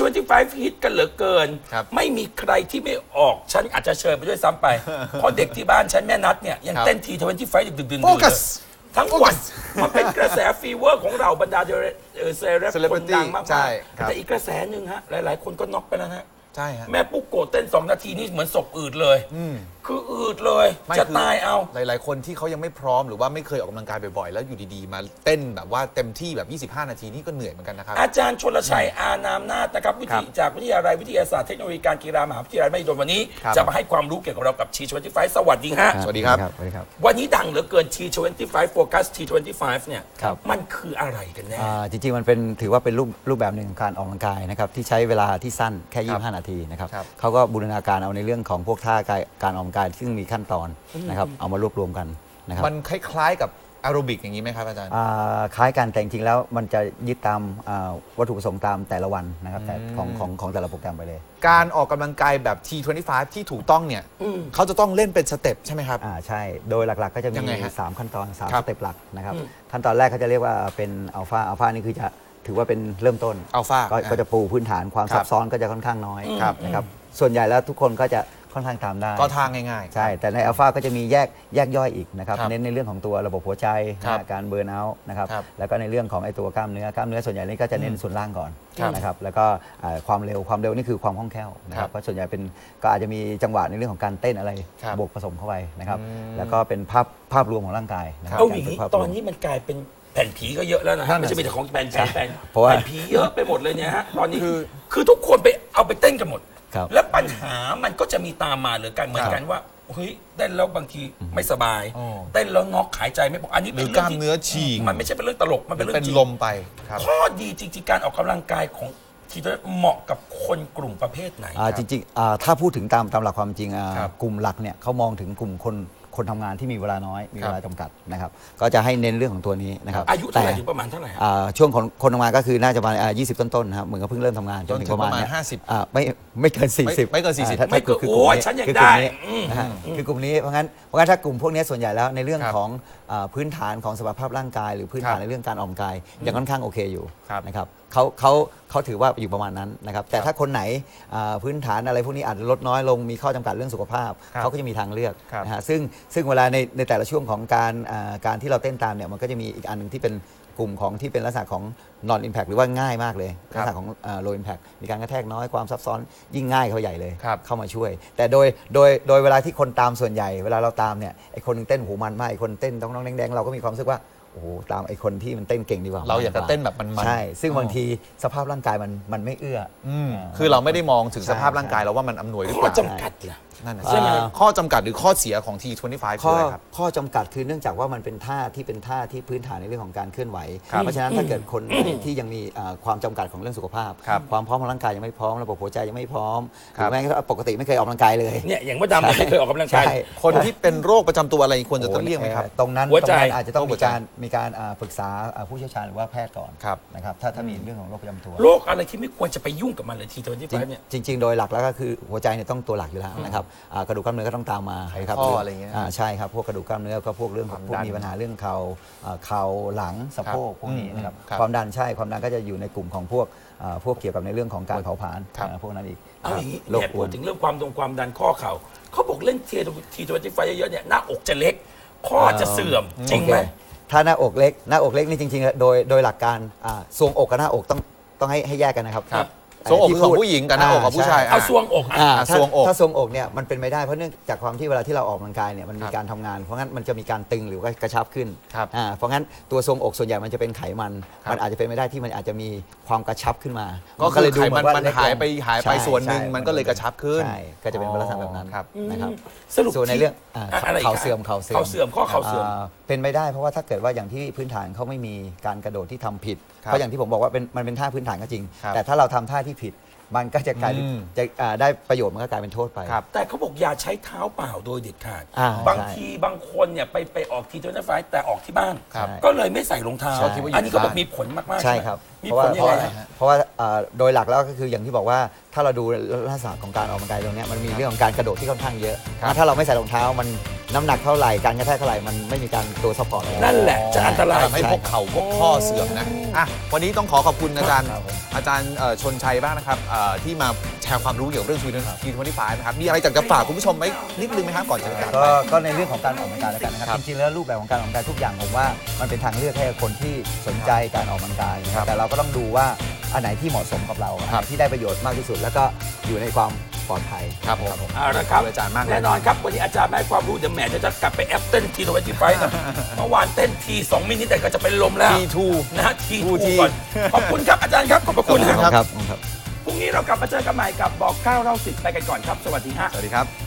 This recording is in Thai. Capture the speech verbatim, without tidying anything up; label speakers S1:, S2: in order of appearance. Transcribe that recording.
S1: ทเวนตี้ไฟว์ฮิตกันเหลือเกินไม่มีใครที่ไม่ออกฉันอาจจะเชิญไปด้วยซ้ำไปเพราะเด็กที่บ้านฉันแม่นัดเนี่ยยังเต้นทีทเวนตี้ไฟว์ดึกๆดื่นๆทั้งวันมันเป็นกระแสฟีเวอร์ของเราบรรดาเซเลบคนดังมากๆแต่อีกกระแสหนึ่งฮะหลายๆคนก็น็อกไปแล้วนะ
S2: ใช่ฮะ
S1: แม่ปุ๊กโกเต้นสองนาทีนี่เหมือนศพอืดเลยคืออืดเลยจะตายเอา
S2: หลายๆคนที่เขายังไม่พร้อมหรือว่าไม่เคยออกกำลังกายบ่อยๆแล้วอยู่ดีๆมาเต้นแบบว่าเต็มที่แบบยี่สิบห้านาทีนี่ก็เหนื่อยเหมือนกันนะครับ
S1: อาจารย์ชลชัยอานามนาถนะครับวิทยจากวิทยาลัยวิทยาศาสตร์เทคโนโลยีการกีฬามหาวิทยาลัยมหิดลวันนี้จะมาให้ความรู้เกี่ยวกับเรากับ ที ทเวนตี้ไฟว์ สวัสดีฮะ
S2: สวัสดีครับ
S1: วันนี้ดังเหลือเกิน ที ทเวนตี้ไฟว์ Focus ที ทเวนตี้ไฟว์ เนี่ยมันคืออะไรกันแน่
S3: จริงๆมันเป็นถือว่าเป็นรูปรูปแบบหนึ่งของการออกกำลังกายนะครับที่ใช้เวลาที่สั้นแค่ยี่สิบห้านาทีนะครับเขาก็บูรณาการเอาในเรื่องของพวกท่าการออกกำลังกายซึ่งมีขั้นตอนนะครับเอามารวบรวมกันนะครับ
S2: มันคล้ายๆกับแอโรบิกอย่างนี้ไหมครับอาจารย์
S3: คล้ายกันแต่จริงๆแล้วมันจะยึดตามวัตถุประสงค์ตามแต่ละวันนะครับแต่ของของของแต่ละโปรแกรมไปเลย
S2: การออกกำลังกายแบบ ที ทเวนตี้ไฟว์ ที่ถูกต้องเนี่ยเขาจะต้องเล่นเป็นสเต็ปใช่ไหมครับ
S3: อ่าใช่โดยหลักๆก็จะมีสามขั้นตอนสามสเต็ปหลักนะครับขั้นตอนแรกเขาจะเรียกว่าเป็นอัลฟาอัลฟานี่คือจะถือว่าเป็นเริ่มต้น
S2: อัลฟา
S3: ก็จะปูพื้นฐานความซับซ้อนก็จะค่อนข้างน้อยนะครับส่วนใหญ่แล้วทุกคนก็จะค่อนข้างตามได้
S2: ก็ทางง่าย
S3: ๆใช่แต่ในอัลฟาก็จะมีแยกแยกย่อยอีกนะครับเน้นในเรื่องของตัวระบบหัวใจการเบิร์นเอาท์นะครับแล้วก็ในเรื่องของไอตัวกล้ามเนื้อกล้ามเนื้อส่วนใหญ่นี่ก็จะเน้นส่วนล่างก่อนนะครับแล้วก็ความเร็วความเร็วนี่คือความคล่องแคล่วนะครับเพราะส่วนใหญ่เป็นก็อาจจะมีจังหวะในเรื่องของการเต้นอะไรบวกผสมเข้าไปนะครับแล้วก็เป็นภาพภาพรวมของร่างกายนะครับ
S1: เอาอย่างนี้ตอนนี้มันกลายเป็นแผ่นผีก็เยอะแล้วนะฮะไม่ใช่มีแต่ของแผ่นแผ่นแผ่นผีเยอะไปหมดเลยเนี่ยฮะตอนนี้คือคือทุกคนไปเอาไปเต้นกันหมดแล้วปัญหามันก็จะมีตามมาหรือกันเหมือนกันว่าเฮ้ยเต้นแล้วบางทีไม่สบายเต้นแล้วงอกหายใจไม่พออันนี้
S2: เป็นกล้ามเนื้อฉีก
S1: มันไม่ใช่เป็นเรื่องตลกมันเป็นเรื่อง
S2: จริงลมไป
S1: ข้อดีจริงๆการออกกำลังกายของทีเหมาะกับคนกลุ่มประเภทไหน
S3: จริงๆถ้าพูดถึงตามตามหลักความจริงกลุ่มหลักเนี่ยเขามองถึงกลุ่มคนคนทำงานที่มีเวลาน้อยมีเวลาจำกัดนะครับก็จะให้เน้นเรื่องของตัวนี้นะครับ
S1: อายุเท่าไหร่ถึงประมาณเท่าไหร่
S3: ช่วงของคนทำงานก็คือน่าจะประมาณยี่สิบต้นๆนะครับเหมือนกับเพิ่งเริ่มทำงาน
S2: จนถึงประมาณห้าสิบ
S3: ไม่ไม่เกินสี่สิบ
S2: ไม่เกินสี่สิบ
S1: ไม่เกินโอ้ยฉันยังได้
S3: คือกลุ่มนี้เพราะงั้นเพราะงั้นถ้ากลุ่มพวกนี้ส่วนใหญ่แล้วในเรื่องของพื้นฐานของสภาพร่างกายหรือพื้นฐานในเรื่องการออกกำลังกายยังค่อนข้างโอเคอยู่นะครับเขาเขาเขาถือว่าอยู่ประมาณนั้นนะครับแต่ถ้าคนไหนพื้นฐานอะไรพวกนี้อาจจะลดน้อยลงมีข้อจำกัดเรื่องสุขภาพเขาก็จะมีทางเลือกนะฮะซึ่งซึ่งเวลาในในแต่ละช่วงของการการที่เราเต้นตามเนี่ยมันก็จะมีอีกอันหนึ่งที่เป็นกลุ่มของที่เป็นลักษณะของ non impact หรือว่าง่ายมากเลยลักษณะของ low impact มีการกระแทกน้อยความซับซ้อนยิ่งง่ายเข้าใหญ่เลยเข้ามาช่วยแต่โดยโดยโดยเวลาที่คนตามส่วนใหญ่เวลาเราตามเนี่ยไอคนนึงเต้นหูมันมากไอคนเต้นต้องน้องแดงๆเราก็มีความรู้สึกว่าโอ้โหตามไอคนที่มันเต้นเก่งดีกว่า
S2: เราอยากจะเต้นแบบมัน
S3: ใช่ซึ่งบางทีสภาพร่างกายมันมันไม่เอื้อ
S2: คือเราไม่ได้มองถึงสภาพร่างกายเราว่ามันอำนวยหรือเปล่า
S1: ข้อจำกัดล่ะ
S2: นั่นใช่ไหมข้อจำกัดหรือข้อเสียของ ที ทเวนตี้ไฟว์ คืออะไรครับ
S3: ข้อจำกัดคือเนื่องจากว่ามันเป็นท่าที่เป็นท่าที่พื้นฐานในเรื่องของการเคลื่อนไหวเพราะฉะนั้นถ้าเกิดคนที่ยังมีความจำกัดของเรื่องสุขภาพความพร้อมของร่างกายยังไม่พร้อมระบบหัวใจยังไม่พร้อมหรือแม้กระทั่งปกติไม่เคยออกกำลังกายเลย
S1: เนี่ยอย่างว่าดำไม่เคยออกกำลังกาย
S2: คนที่เป็นโรคประจำตัวอะไรควรจะต้องเลี่ยงไหมครับ
S3: ตรงนั้นอาจจะต้องมีการมีการปรึกษาผู้เชี่ยวชาญหรือว่าแพทย์ก่อนนะครับถ้าถ้ามีเรื่องของโรคประจำตัว
S1: โรคอะไรที่ไม่ควรจะไปยุ่งกับมันเลย ที ทเวนตี้ไฟว์ เนี่ย
S3: จริงๆโดยหลักแล้วก็คือหัวใจเนี่ยต้องตัวหลักอยู่แล้วนะครับกระดูกกล้ามเนื้อก็ต้องตามมา
S2: ครับข้ออะไรเงี้ย
S3: ใช่ครับพวกกระดูกกล้ามเนื้อก็พวกเรื่องพวกมีปัญหาเรื่องเข่าเข่าหลังสะโพกพวกนี้นะครับความดันใช่ความดันก็จะอยู่ในกลุ่มของพวกพวกเกี่ยวกับในเรื่องของการเผาผลาญพวกนั้นอีก
S1: เอาอย่างนี้เนี่ยพูดถึงเรื่องความดงความดันข้อเข่าเขาบอกเล่น ที ทเวนตี้ไฟว์ เยอะๆเนี่ยหน้าอกจะเล็กข้อจะเสื่อมจริงไหม
S3: ถ้าหน้าอกเล็กหน้าอกเล็กนี่จริงๆโดยโดยหลักการทรวงอกกับหน้าอกต้องต้องให้ให้แยกกันนะครับ
S2: ทรวงอกของผู้หญิงกับหน้าอกของผู้ชาย
S1: เอาทรวงอก
S3: ถ้าถ้าทรวงอกเนี่ยมันเป็นไม่ได้เพราะเนื่องจากความที่เวลาที่เราออกกำลังกายเนี่ยมันมีการทำงานเพราะงั้นมันจะมีการตึงหรือว่ากระชับขึ้นเพราะงั้นตัวทรวงอกส่วนใหญ่มันจะเป็นไขมันมันอาจจะเป็นไม่ได้ที่มันอาจจะมีความกระชับขึ้นมา
S2: ก็เลยไขมันมันหายไปหายไปส่วนหนึ่งมันก็เลยกระชับขึ้น
S3: ใช่ก็จะเป็นลักษณะแบบนั้นนะครับ
S1: สรุป
S3: ส่วนในเรื่องเข่าเสื่อมเข่าเสื่อม
S1: เข่าเสื่อมข้อเข่าเสื่อม
S3: เป็นไม่ได้เพราะว่าถ้าเกิดว่าอย่างที่พื้นฐานเขาไม่มีการกระโดดที่ทำผิดเพราะอย่างที่ผมบอกว่าเป็นมันเป็นท่าพื้นฐานก็จริงแต่ถ้าเราทำท่าที่ผิดมันก็จะกลายจะได้ประโยชน์มันก็กลายเป็นโทษไป
S1: แต่เขาบอกอย่าใช้เท้าเปล่าโดยเด็ดขาดบางทีบางคนเนี่ยไปไปออกที ทเวนตี้ไฟว์ แต่ออกที่บ้านก็เลยไม่ใส่รองเท้าอันนี้ก็บอกมีผลมากๆ
S3: ใช่ครับ
S1: มี
S3: ผ
S1: ลยังไง
S3: เพราะว่าโดยหลักแล้วก็คืออย่างที่บอกว่าถ้าเราดูลักษณะของการออกกำลังกายตรงนี้มันมีเรื่องของการกระโดดที่ค่อนข้างเยอะถ้าเราไม่ใส่รองเท้ามันน้ำหนักเท่าไหร่การกระแทกเท่าไหร่มันไม่มีการตัวซัพพอร์ต
S1: นั่นแหละจะอันตราย
S2: ทำให้พวกเข่าพวกข้อเสื่อมนะอ่ะวันนี้ต้องขอขอบคุณอาจารย์
S3: ครับผม
S2: อาจารย์เอ่อชนชัยบ้างนะครับเอ่อที่มาแชร์ความรู้เกี่ยวกับเรื่องทีทเวนตี้ไฟนะครับมีอะไรอยากจะฝากคุณผู้ชมไหมนิดนึงไหมครับก่อนจะจาก
S3: ก็
S2: ไป
S3: ก็ในเรื่องของการออกกำลังกายแล้วกันนะครับ
S2: ครับ
S3: จริงๆแล้วรูปแบบของการออกกำลังกายทุกอย่างผมว่ามันเป็นทางเลือกให้กับคนที่สนใจการออกกำลังกายนะค
S2: ครั
S3: รับบ แต่เราก็ต้องดูว่าอันไหนที่เหมาะสมกับเราอัน
S2: ครั
S3: ไห
S2: บ
S3: นที่ได้ประโยชน์มากที่สุด แล้วก็อยู่ในความปลอดภัย
S2: ครับผม
S1: เอาละครับ
S2: ขอบคุณอาจารย์มากเลย
S1: แน่นอนครับวันนี้อาจารย์มาให้ความรู้เดี๋ยวแหมจะกลับไปแอปเต้นทีทเวนตี้ไฟนะเมื่อวานเต้นทีสองมินิแต่ก็จะเป็นลมแล้ว
S2: ทีทู
S1: นะฮะที
S2: ทู
S1: ทู
S2: ที
S1: ก่อนขอบคุณครับอาจารย์ครับขอบพระคุณ
S2: ขอบคุณ
S1: นะครับ
S3: ครับครับ
S1: พรุ่งนี้เรากลับมาเจอกันใหม่กับบอกเก้าเล่าสิบไปกันก่อนครับ สวัสดีฮะ
S2: สวัสดีครับ